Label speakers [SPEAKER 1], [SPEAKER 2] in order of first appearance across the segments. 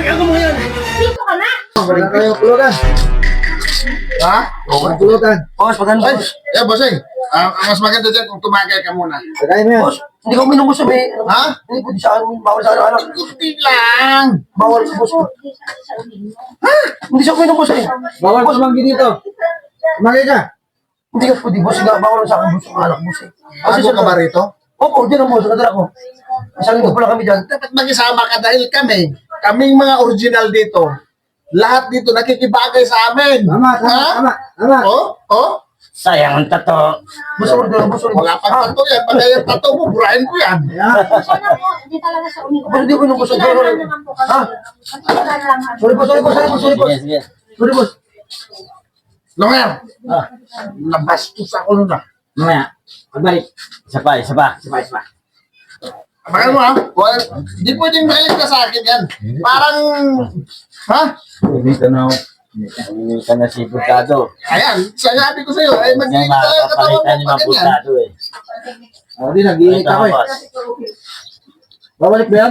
[SPEAKER 1] ako mo yan.
[SPEAKER 2] Dito ka na.
[SPEAKER 3] Wala kayo pulutan. Ha? Wala pulutan.
[SPEAKER 1] Boss, maganda.
[SPEAKER 3] Ay, bossing. Ang mas maganda dyan kung tumagay ka muna.
[SPEAKER 1] Tagay mo yan. Boss, hindi ko minum boss eh.
[SPEAKER 3] Ha?
[SPEAKER 1] Hindi po sa akin, bawal sa anak.
[SPEAKER 3] Kunti lang.
[SPEAKER 1] Bawal sa boss. Ha? Hindi siya minum boss eh.
[SPEAKER 3] Bawal boss manggi dito. Tumagay ka.
[SPEAKER 1] Hindi ka pwede boss, nga bawal sa akin boss, ang anak boss eh.
[SPEAKER 3] Bago ka ba rito?
[SPEAKER 1] Opo, dyan ang boss, nakadala ko. Isang linggo pa lang kami dyan.
[SPEAKER 3] Dapat mag-isama ka dahil kaming mga original dito. Lahat dito nakikibagay sa amin. Tama. Oh?
[SPEAKER 4] Sayang ang tato.
[SPEAKER 1] Boss, order, boss, order.
[SPEAKER 3] Wala pang tato yan. Pagka yung tato mo, burahin ko yan.
[SPEAKER 2] Sana po, hindi talaga sa umiinom.
[SPEAKER 1] Boss, hindi ko minum boss.
[SPEAKER 2] Sorry naman po kasi.
[SPEAKER 1] Ha? Sorry boss.
[SPEAKER 4] Sige.
[SPEAKER 1] Sorry boss.
[SPEAKER 3] Longer, nabastos ako nun ah.
[SPEAKER 4] Mamaya. Pagbalik. Isa pa.
[SPEAKER 3] Apakan mo ha? Hindi pwedeng balik ka sa akin yan. Parang, ha?
[SPEAKER 4] Hindi ka na si Putado.
[SPEAKER 3] Ayan, sinabi ko sa'yo, ay
[SPEAKER 4] Hindi
[SPEAKER 3] magiging talaga katawan
[SPEAKER 4] makakapalitan ni
[SPEAKER 3] mo pag ganyan.
[SPEAKER 4] Maputado eh.
[SPEAKER 3] Hindi, nag-iinit
[SPEAKER 4] Ito
[SPEAKER 3] ako eh.
[SPEAKER 4] boss.
[SPEAKER 3] Babalik ba yan?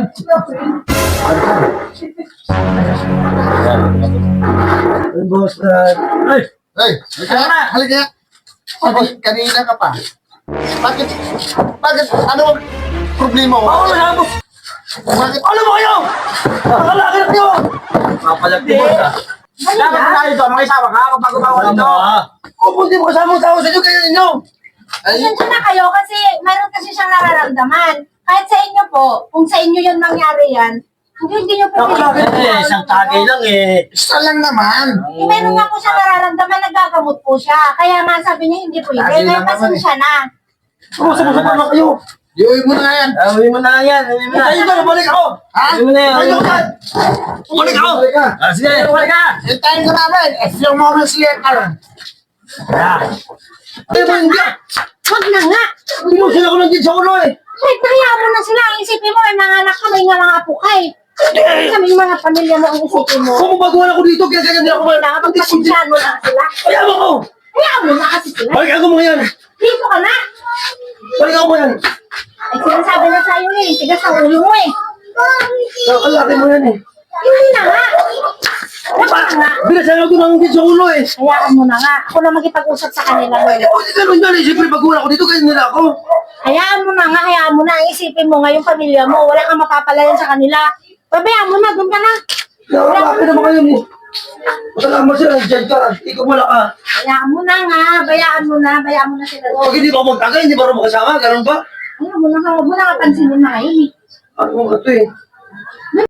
[SPEAKER 1] Boss,
[SPEAKER 3] Hey, halika. Kanina ka pa. Bakit, ano ang problema mo?
[SPEAKER 1] bawal na boss.
[SPEAKER 3] Bakit?
[SPEAKER 1] Ano mo kayo? Nakalakit niyo.
[SPEAKER 4] Kapalag ni boss ah.
[SPEAKER 1] Dapat na tayo dito, makisama ka kapag bawal dito. Kung hindi mo kasama ang tao sa inyo, kaya ninyo.
[SPEAKER 3] Ay,
[SPEAKER 2] Pasensya na kayo kasi mayroon kasi siyang nararamdaman. Kahit sa inyo po, kung sa inyo yun nangyari yan, hindi nyo
[SPEAKER 1] Nakalakit
[SPEAKER 4] Eh, isang tagay lang eh.
[SPEAKER 3] isa lang naman.
[SPEAKER 2] Meron nga po siya nararamdaman, nagagamot po siya. Kaya nga sabi niya hindi pwede.
[SPEAKER 3] Lagi
[SPEAKER 2] May
[SPEAKER 3] lang naman
[SPEAKER 2] pasensya na.
[SPEAKER 1] Sumusama na kayo.
[SPEAKER 3] Iuwi mo na yan.
[SPEAKER 4] Uwi mo na yan.
[SPEAKER 1] Tayo ba, balik ako.
[SPEAKER 3] Ha?
[SPEAKER 4] Uwi mo na yan.
[SPEAKER 1] Tayo ka. Balik ako.
[SPEAKER 3] Balik ka.
[SPEAKER 4] Sige, balik ka.
[SPEAKER 3] Hintayin ka namin. A few moments later.
[SPEAKER 1] Tayo ba hindi?
[SPEAKER 2] Huwag na nga.
[SPEAKER 1] Hindi mo sila ko lang din sa ulo eh.
[SPEAKER 2] Kahit hayaan mo na sila. Ang isipin mo, ay mga anak ka, may nga mga pukay. Kami mga pamilya mo ang isipin mo.
[SPEAKER 1] Kung baguhan ako dito, kaya ganyan din ako.
[SPEAKER 2] Kailangan magpasensyahan mo lang sila.
[SPEAKER 1] Kaya ako.
[SPEAKER 2] Hayaan mo na kasi sila.
[SPEAKER 1] Balik ako mo yan.
[SPEAKER 2] Dito ka na.
[SPEAKER 1] Balik ako mo yan.
[SPEAKER 2] Ay sinasabi na sa'yo eh. Tigas ang ulo mo eh.
[SPEAKER 1] Nakalaki mo yan eh.
[SPEAKER 2] Hindi na nga. Huwag na nga.
[SPEAKER 1] Binasan ako ng din sa ulo eh.
[SPEAKER 2] Hayaan mo na nga. Ako na makipag-usap sa kanila.
[SPEAKER 1] Hindi ko ganun yan eh. Siyempre baguhan ako dito, kaya nila ako.
[SPEAKER 2] Hayaan mo na nga. Hayaan mo na. Ang isipin mo ngayong pamilya mo. Wala kang mapapalayan sa kanila. Pabayaan mo na. Doon ka na.
[SPEAKER 1] Nakalaki naman kayo eh. Masalamat sila, dyan ka. Ikaw wala ka.
[SPEAKER 2] Hayaan mo na nga. Bayaan mo na. Bayaan mo na sila.
[SPEAKER 1] Pag hindi ba ako magtagay, hindi ba rin makasama? Ganun ba?
[SPEAKER 2] Hayaan mo na nga. Huwag mo na nga pansinin na ngayon eh.
[SPEAKER 1] Ano mo ito eh.